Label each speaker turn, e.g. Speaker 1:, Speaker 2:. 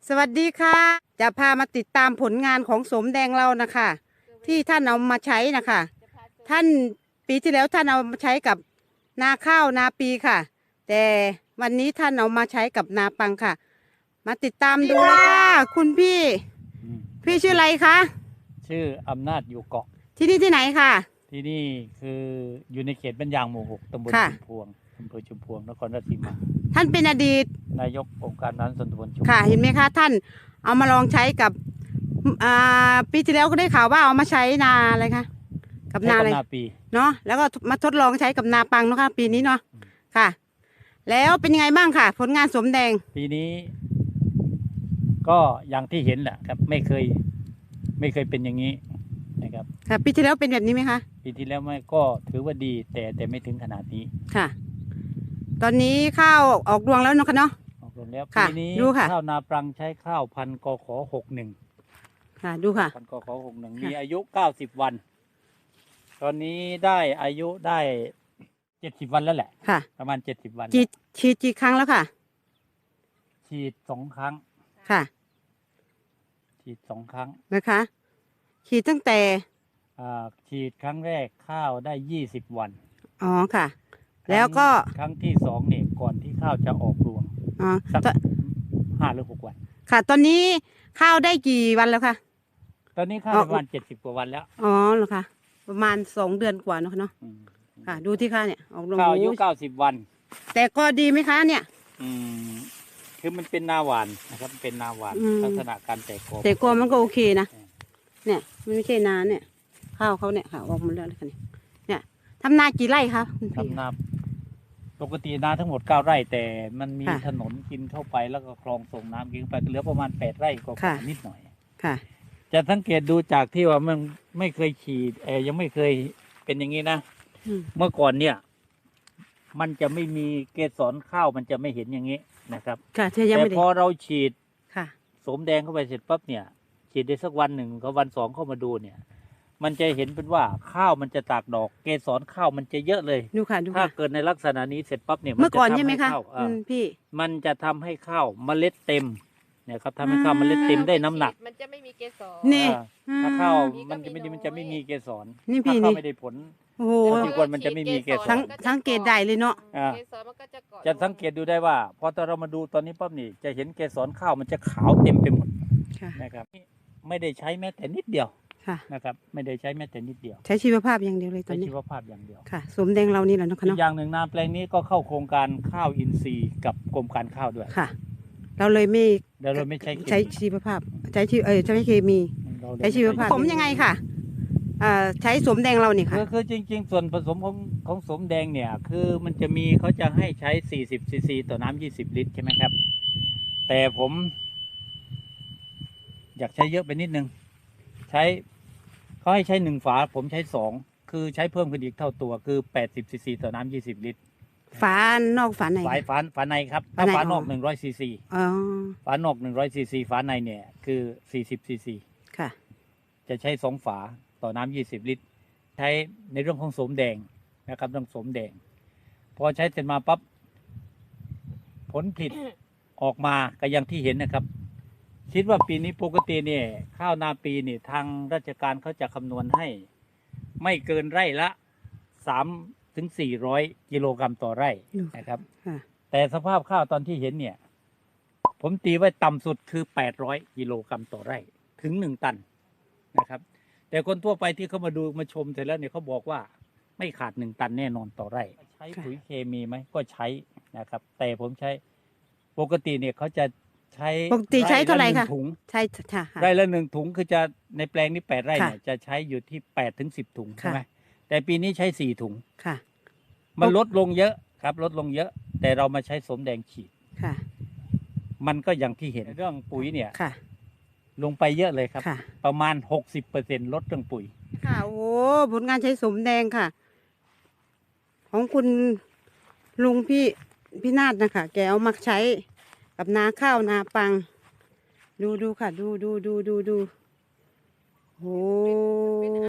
Speaker 1: สวัสดีค่ะ จะพามาติดตามผลงานของสมแดงเรานะคะที่ท่านเอามาใช้นะคะท่านปีที่แล้วท่านเอามาใช้กับนาข้าวนาปีค่ะแต่วันนี้ท่านเอามาใช้กับนาปังค่ะมาติดตามดูเลยค่ะคุณพี่ชื่ออะไรคะ
Speaker 2: ชื่ออำนาจอยู่เกาะ
Speaker 1: ที่นี่ที่ไหนค่ะ
Speaker 2: ที่นี่คืออยู่ในเขตบ้านยางหมู่ 6 ตำบลชุมพวงอำเภอชุมพวงนครราชสีมา
Speaker 1: ท่านเป็นอดีต
Speaker 2: นายกองค์การบริหารส่วนตำบลชุมพวง
Speaker 1: ค่ะเห็นไหมคะท่านเอามาลองใช้กับปีที่แล้วก็ได้ข่าวว่าเอามาใช้นาอะไรคะกับนาอะไร
Speaker 2: ปี
Speaker 1: เนาะแล้วก็มาทดลองใช้กับนาปังเนาะค่ะปีนี้เนาะค่ะแล้วเป็นยังไงบ้างค่ะผลงานสมแดง
Speaker 2: ปีนี้ก็อย่างที่เห็นแหละครับไม่เคยเป็นอย่างนี้นะครับ
Speaker 1: ค่ะปีที่แล้วเป็นแบบนี้ไหมคะ
Speaker 2: ปีที่แล้วไม่ก็ถือว่าดีแต่ไม่ถึงขนาดนี้
Speaker 1: ค่ะตอนนี้ข้าวออกรวงแล้วเนาะค่ะเนาะ
Speaker 2: ออกรวงแล้วปีนี้ข้าวนาปรังใช้ข้าวพันธุ์กข.61
Speaker 1: ค่ะดูค่ะ
Speaker 2: พันธุ์กข.61มีอายุ90 วันตอนนี้ได้อายุได้70 วันแล้วแหละ
Speaker 1: ค่ะ
Speaker 2: ประมาณ70 วัน
Speaker 1: ฉีดกี่ครั้งแล้วค่ะ
Speaker 2: ฉีด2 ครั้ง
Speaker 1: ค่ะ
Speaker 2: ฉีด2 ครั้ง
Speaker 1: นะคะฉีดตั้งแต่
Speaker 2: ฉีดครั้งแรกข้าวได้20 วัน
Speaker 1: อ๋อค่ะแล้วก็
Speaker 2: ครั้งที่2เนี่ยก่อนที่ข้าวจะออกรวงสัก5 หรือ 6 วัน
Speaker 1: ค่ะตอนนี้ข้าวได้กี่วันแล้วคะ
Speaker 2: ตอนนี้ข้าวประมาณ70 กว่าวันแล้ว
Speaker 1: อ๋อเหรอคะประมาณ2 เดือนกว่าเนาะค่ะดูที่ข้าเนี่ยออกรวง
Speaker 2: ข้าวอายุ90 วัน
Speaker 1: แต่ก็ดีไหมคะเนี่ย
Speaker 2: คือมันเป็นนาหวานนะครับเป็นนาหวานลักษณะการแตก
Speaker 1: กอมันก็โอเคนะเนี่ยมันไม่ใช่นาเนี่ยข้าวเขาเนี่ยค่ะออกมาแล้วค่ะเนี่ยทำนากี่ไร่ครับ
Speaker 2: ทำนาปกตินาทั้งหมด9 ไร่แต่มันมีถนนกินเข้าไปแล้วก็คลองส่งน้ำกินไปเหลือประมาณ8 ไร่ก็นิดหน่อย
Speaker 1: ค่ะ
Speaker 2: จะสังเกตดูจากที่ว่ามันไม่เคยฉีดยังไม่เคยเป็นอย่างนี้นะเมื่อก่อนเนี่ยมันจะไม่มีเกสรข้าวมันจะไม่เห็นอย่างนี้นะครับแต่พอเราฉีดสมแดงเข้าไปเสร็จปั๊บเนี่ยฉีดได้สักวัน 1กับวัน 2เข้ามาดูเนี่ยมันจะเห็นเป็นว่าข้าวมันจะตากดอกเกสรข้าวมันจะเยอะเลยถ้าเกิดในลักษณะนี้เสร็จปั๊บเนี่ย
Speaker 1: เมื่อก่อนใช่ไหมคะพี่
Speaker 2: มันจะทำให้ข้าวเมล็ดเต็มเนี่ยครับทำให้ข้าวเมล็ดเต็มได้น้ำหนัก
Speaker 3: มันจะไม่มีเกสร
Speaker 1: นี่
Speaker 2: ถ้าข้าวมันจะไม่มีเกสรถ้าข้าวไม่ได้ผล
Speaker 1: โอ้โห
Speaker 2: ที่ควรมันจะไม่มีเกสร
Speaker 1: สังเกตได้เลยเนาะ
Speaker 3: เกสรมันก็จะเกาะ
Speaker 2: จะสังเกตดูได้ว่าพอตอนเรามาดูตอนนี้ปั๊บนี่จะเห็นเกสรข้าวมันจะขาวเต็มไปหมดนะครับไม่ได้ใช้แม้แต่นิดเดียวนะครับไม่ได้ใช้แม้แต่นิดเดียว
Speaker 1: ใช้ชีวภาพอย่างเดียวเลยตอนนี้
Speaker 2: ใช้ชีวภาพอย่างเดียว
Speaker 1: ค่ะสมแดงเรานี่แหละเนาะ
Speaker 2: อีกอย่างหนึ่งนาแปลงนี้ก็เข้าโครงการข้าวอินทรีย์กับกรมการข้าวด้วย
Speaker 1: ค่ะเราเลยไม่ใช้ชีวภาพใช้เคมีใช้ชีวภาพผมยังไงค่ะใช้สมแดงเราเนี่ยค่ะ
Speaker 2: คือจริงๆส่วนผสมของสมแดงเนี่ยคือมันจะมีเขาจะให้ใช้40 ซีซีต่อน้ำ20 ลิตรใช่ไหมครับแต่ผมอยากใช้เยอะไปนิดนึงเขาให้ใช้1 ฝาผมใช้2คือใช้เพิ่มขึ้นอีกเท่าตัวคือ80 ซีซีต่อน้ำ20 ลิตร
Speaker 1: ฝานอกฝาใน
Speaker 2: ฝาในครับถ้าฝานอก100 ซีซีฝานอก100 ซีซีฝาในเนี่ยคือ40 ซีซี
Speaker 1: ค่ะ
Speaker 2: จะใช้2 ฝาต่อน้ำ20 ลิตรใช้ในเรื่องของสมแดงนะครับเรื่องสมแดงพอใช้เสร็จมาปั๊บผลผลิตออกมาก็อย่างที่เห็นนะครับคิดว่าปีนี้ปกติเนี่ยข้าวนาปีนี่ทางราชการเขาจะคำนวณให้ไม่เกินไร่ละ3 ถึง 400 กิโลกรัมต่อไร่นะครับแต่สภาพข้าวตอนที่เห็นเนี่ยผมตีไว้ต่ำสุดคือ800 กิโลกรัมต่อไร่ถึง1 ตันนะครับแต่คนทั่วไปที่เขามาดูมาชมเสร็จแล้วเนี่ยเขาบอกว่าไม่ขาด1 ตันแน่นอนต่อไร่ใช้ปุ๋ยเคมีไหมก็ใช้นะครับแต่ผมใช้ปกติเนี่ยเขาจะใช้
Speaker 1: เท่าไหร่คะใช่
Speaker 2: ไร่ละ1 ถุงคือจะในแปลงนี้8 ไร่เนี่ยจะใช้อยู่ที่8 ถึง 10 ถุงใช่ไหมแต่ปีนี้ใช้4 ถุงมันลดลงเยอะครับลดลงเยอะแต่เรามาใช้สมแดงฉีดมันก็อย่างที่เห็นเรื่องปุ๋ยเนี่ยลงไปเยอะเลยครับประมาณ 60% ลดเรื่องปุ๋ย
Speaker 1: ค่ะโอ้ผลงานใช้สมแดงค่ะของคุณลุงพี่นาฏนะคะแกเอามาใช้กับนาข้าวนาปังดูค่ะดูโอ้